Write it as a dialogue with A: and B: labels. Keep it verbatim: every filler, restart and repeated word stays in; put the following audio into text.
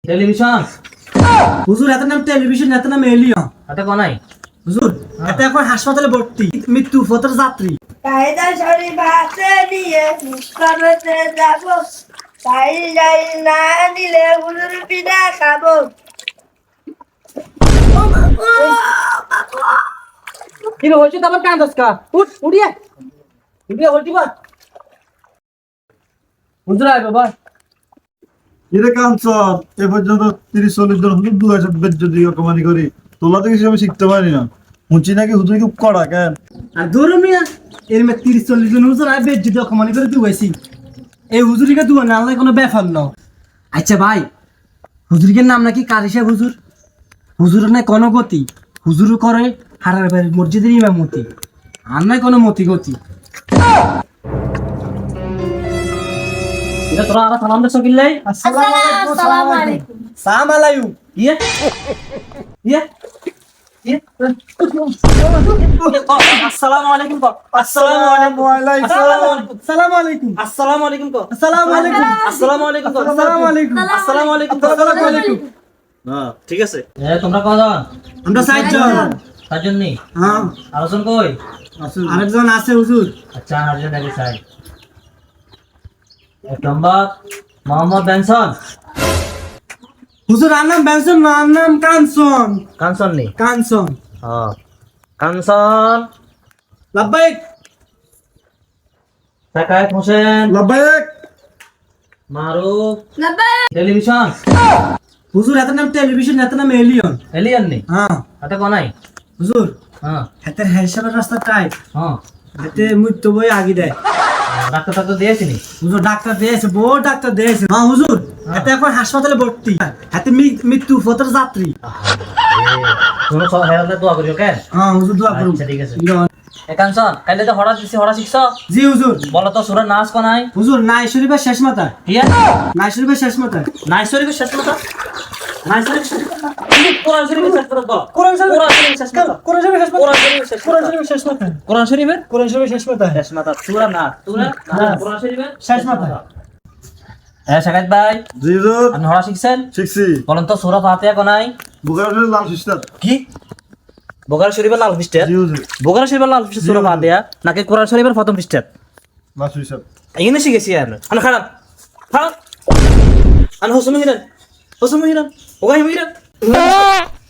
A: Television
B: হুজুর এত নাম টেলিভিশন এত নাম এলিয়ন
A: এটা কোনাই
B: হুজুর এত এখন হাসপাতালে ভর্তি মৃত্যু পথের যাত্রী
C: কায়দা শরীফ হাতে নিয়ে করতে যাব তাই যাই না দিলে হুজুর পিঠা খাবো
B: কি রে হইছে তোমার কান্দস কা উঠ উড়িয়া উড়িয়া হইতি বা হুজুর আই বাবা
D: এরে কাঞ্চন এ পর্যন্ত তিরিশ চল্লিশ জন হুজুর দু হাজার বেজ্জতি অকমানি করি তোলা থেকে আমি শিখতে পারি না মুচি নাকি হুজুর খুব কড়া কেন
B: আর দূর মিয়া এর মে তিরিশ চল্লিশ জন হুজুর আই বেদ যদি অকমানি করে দুইছি এই হুজুরিকে দুয়া না আল্লাহ কোনো ব্যাপার না আচ্ছা ভাই হুজুরিকে নাম নাকি কারি সাহেব হুজুর হুজুর নাই কোনো গতি হুজুর করে হারার বাড়ি মসজিদের ইমামতি আর নাই কোনো মতি গতি
A: এটা তোরা আর সালাম দেছ কিল্লাই
C: আসসালামু আলাইকুম
B: সালাম আলাইকুম
A: ইয়ে ইয়ে ইয়ে আসসালামু আলাইকুম কো আসসালামু আলাইকুম
B: সালাম আলাইকুম
A: আসসালামু আলাইকুম কো
B: আসসালামু আলাইকুম
A: আসসালামু আলাইকুম কো
B: আসসালামু আলাইকুম
A: আসসালামু আলাইকুম কো
B: আসসালামু আলাইকুম
A: হ্যাঁ ঠিক আছে এ তোমরা কজন
B: আমরা সাতজন
A: সাতজন নি
B: হ্যাঁ
A: আলোচন কই
B: আরেকজন আছে হুজুর
A: আচ্ছা হাজির নাকি সাই এক নম্বর মোহাম্মদ বেনসন
B: হুজুর আর নাম বেনসন না আর নাম কাঞ্চন
A: কানসন নি
B: কাঞ্চন
A: হ্যাঁ কানসন
B: লাব্বাইক
A: সাকায়েত হোসেন
D: লাব্বাইক
A: মারুফ
C: লাব্বাইক
A: টেলিভিশন
B: হুজুর এত নাম টেলিভিশন এত নাম এলিয়ন
A: এলিয়ান নি
B: হ্যাঁ
A: এটা কোনাই
B: হুজুর
A: হ্যাঁ
B: হাতের হিসাবের রাস্তা টাইট
A: হ্যাঁ
B: হাতে মৃত্যু বই আগে দেয়
A: ডাক্তার টাক্তার দিয়েছি নি
B: হুজুর ডাক্তার দিয়েছে বহু ডাক্তার দিয়েছে হ্যাঁ হুজুর এত এখন হাসপাতালে ভর্তি হাতে মি- মৃত্যু পথের যাত্রী
A: তুমি সব হেরালে দোয়া করিও কেন
B: হ্যাঁ হুজুর দোয়া করুন
A: আচ্ছা ঠিক আছে এ কানসন কাইলে তো হঠাৎ দিছি হঠাৎ শিখছ
B: জি হুজুর
A: বলো তো সুরা নাচ কোনাই
B: হুজুর নাই শরীফের শেষ মাথা
A: ইয়া
B: নাই শরীফের শেষ মাথা
A: নাই শরীফের শেষ কথা নাই শরীফের শেষ কথা কোরআন শরীফের শেষ কথা বলো
B: কোরআন শরীফ
A: কোরআন শরীফের শেষ কথা
B: কোরআন শরীফের শেষ মাথা
A: কোরআন শরীফের শেষ
B: কোরআন শরীফের শেষ মাথা
A: কোরআন শরীফের
B: কোরআন শরীফের শেষ মাথা
A: শেষ মাথা সুরা না সুরা
B: না।
A: কোরআন শরীফের
B: শেষ মাথা
A: হ্যাঁ শাকাত ভাই
D: জি হুজুর
A: আপনি হড়া শিখছেন
D: শিখছি
A: বলেন তো সূরা ফাতিহা কোনাই
D: বুখার লাল সিস্টার
A: কি বোকারা শরীফের লাল পৃষ্ঠা
D: জি হুজুর
A: বোকারা শরীফের লাল পৃষ্ঠা সূরা ফাতিহা নাকি কোরআন শরীফের প্রথম পৃষ্ঠা
D: লাল সিস্টার
A: এখানে শিখেছি আর আন খারাপ খারাপ আন হোসম হিরান হোসম হিরান ওগাই হিরান